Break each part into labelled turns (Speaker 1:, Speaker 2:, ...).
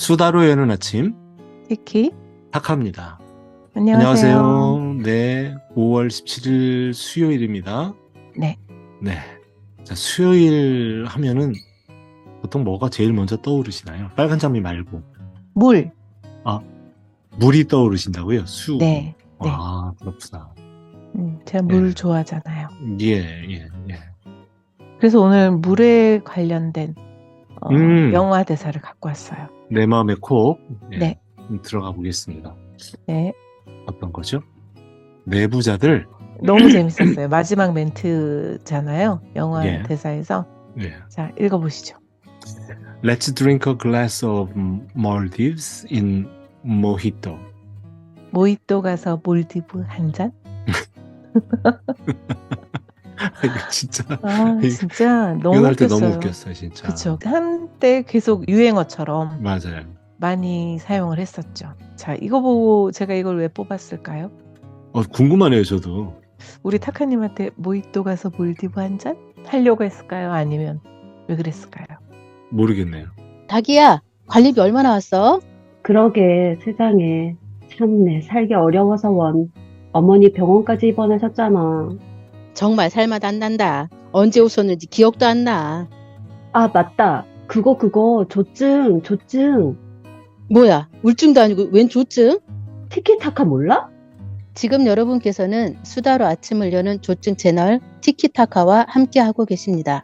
Speaker 1: 수다로 여는 아침
Speaker 2: 티키,
Speaker 1: 타카입니다.
Speaker 2: 안녕하세요.
Speaker 1: 안녕하세요. 네, 5월 17일 수요일입니다.
Speaker 2: 네,
Speaker 1: 네, 자, 수요일 하면은 보통 뭐가 제일 먼저 떠오르시나요? 빨간 장미 말고.
Speaker 2: 물.
Speaker 1: 아, 물이 떠오르신다고요? 수.
Speaker 2: 네, 네.
Speaker 1: 아, 그렇구나.
Speaker 2: 제가 물
Speaker 1: 예.
Speaker 2: 좋아하잖아요.
Speaker 1: 예.
Speaker 2: 그래서 오늘 물에 관련된
Speaker 1: 음,
Speaker 2: 영화 대사를 갖고 왔어요.
Speaker 1: 내 마음의 콕. 예,
Speaker 2: 네,
Speaker 1: 들어가 보겠습니다.
Speaker 2: 네.
Speaker 1: 어떤 거죠? 내부자들.
Speaker 2: 너무 재밌었어요. 마지막 멘트잖아요. 영화
Speaker 1: 예,
Speaker 2: 대사에서.
Speaker 1: 예.
Speaker 2: 자, 읽어보시죠.
Speaker 1: Let's drink a glass of Maldives in mojito.
Speaker 2: 모히또 가서 몰디브 한 잔?
Speaker 1: 이거 진짜
Speaker 2: 진짜 너무
Speaker 1: 이건 할 때 너무
Speaker 2: 웃겼어요.
Speaker 1: 웃겼어요, 진짜.
Speaker 2: 그쵸. 한때 계속 유행어처럼
Speaker 1: 맞아요.
Speaker 2: 많이 사용을 했었죠. 자, 이거 보고 제가 이걸 왜 뽑았을까요?
Speaker 1: 궁금하네요, 저도.
Speaker 2: 우리 타카님한테 모히또 가서 몰디브 한 잔? 하려고 했을까요? 아니면 왜 그랬을까요?
Speaker 1: 모르겠네요.
Speaker 3: 자기야, 관리비 얼마 나왔어?
Speaker 4: 그러게 세상에 참내 살기 어려워서 원 어머니 병원까지 입원하셨잖아.
Speaker 3: 정말 살맛 안 난다. 언제 오셨는지 기억도 안 나.
Speaker 4: 아 맞다 그거 조증
Speaker 3: 뭐야, 우울증도 아니고 웬 조증?
Speaker 4: 티키타카 몰라?
Speaker 3: 지금 여러분께서는 수다로 아침을 여는 조증 채널 티키타카와 함께하고 계십니다.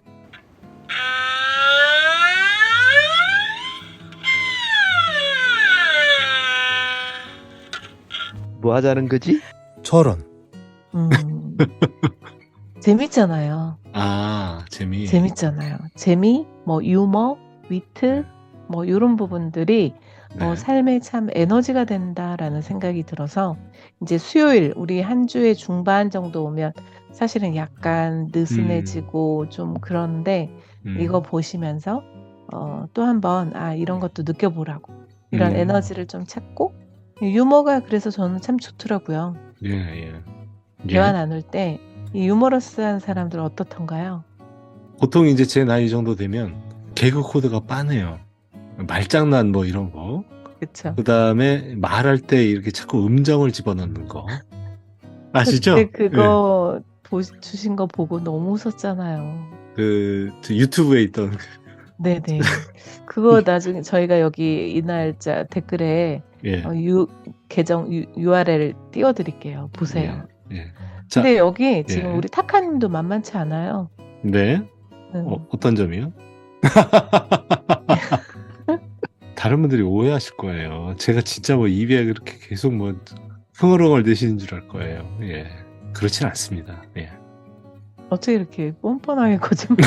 Speaker 5: 뭐 하자는 거지?
Speaker 1: 저런.
Speaker 2: 음, 재밌잖아요.
Speaker 1: 아,
Speaker 2: 재밌잖아요. 재미, 뭐 유머, 위트, 뭐 이런 부분들이
Speaker 1: 네.
Speaker 2: 삶에 참 에너지가 된다라는 생각이 들어서 이제 수요일 우리 한 주의 중반 정도 오면 사실은 약간 느슨해지고 좀 그런데 이거 보시면서 또 한번 이런 것도 느껴보라고 이런 에너지를 좀 찾고 유머가 그래서 저는 참 좋더라고요.
Speaker 1: 예.
Speaker 2: 대화 나눌 때 이 유머러스한 사람들 어떻던가요?
Speaker 1: 보통 이제 제 나이 정도 되면 개그 코드가 빠네요. 말장난 뭐 이런 거.
Speaker 2: 그쵸?
Speaker 1: 그 다음에 말할 때 이렇게 자꾸 음정을 집어넣는 거. 아시죠?
Speaker 2: 그때 그거 주신 거 보고 너무 웃었잖아요.
Speaker 1: 저 유튜브에 있던
Speaker 2: 네네. 그거 나중에 저희가 여기 이 날짜 댓글에
Speaker 1: 예.
Speaker 2: 계정 URL 띄워드릴게요. 보세요.
Speaker 1: 예. 자,
Speaker 2: 근데 여기 지금
Speaker 1: 예.
Speaker 2: 우리 타카님도 만만치 않아요.
Speaker 1: 네. 어떤 점이요? 다른 분들이 오해하실 거예요. 제가 진짜 뭐 입에 그렇게 계속 뭐 흥얼흥얼 대시는 줄 알 거예요. 예. 그렇진 않습니다. 예.
Speaker 2: 어떻게 이렇게 뻔뻔하게 거짓말?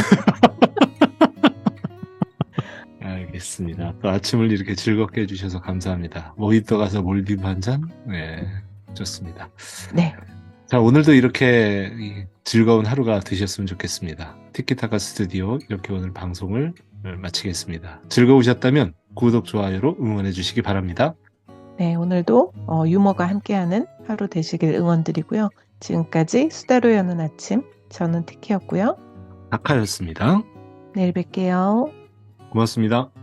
Speaker 1: 알겠습니다. 또 아침을 이렇게 즐겁게 해주셔서 감사합니다. 모히또 가서 몰디브 한 잔? 네. 좋습니다.
Speaker 2: 네.
Speaker 1: 자, 오늘도 이렇게 즐거운 하루가 되셨으면 좋겠습니다. 티키타카 스튜디오 이렇게 오늘 방송을 마치겠습니다. 즐거우셨다면 구독, 좋아요로 응원해 주시기 바랍니다.
Speaker 2: 네, 오늘도 유머가 함께하는 하루 되시길 응원드리고요. 지금까지 수다로 여는 아침, 저는 티키였고요.
Speaker 1: 타카였습니다.
Speaker 2: 내일 뵐게요.
Speaker 1: 고맙습니다.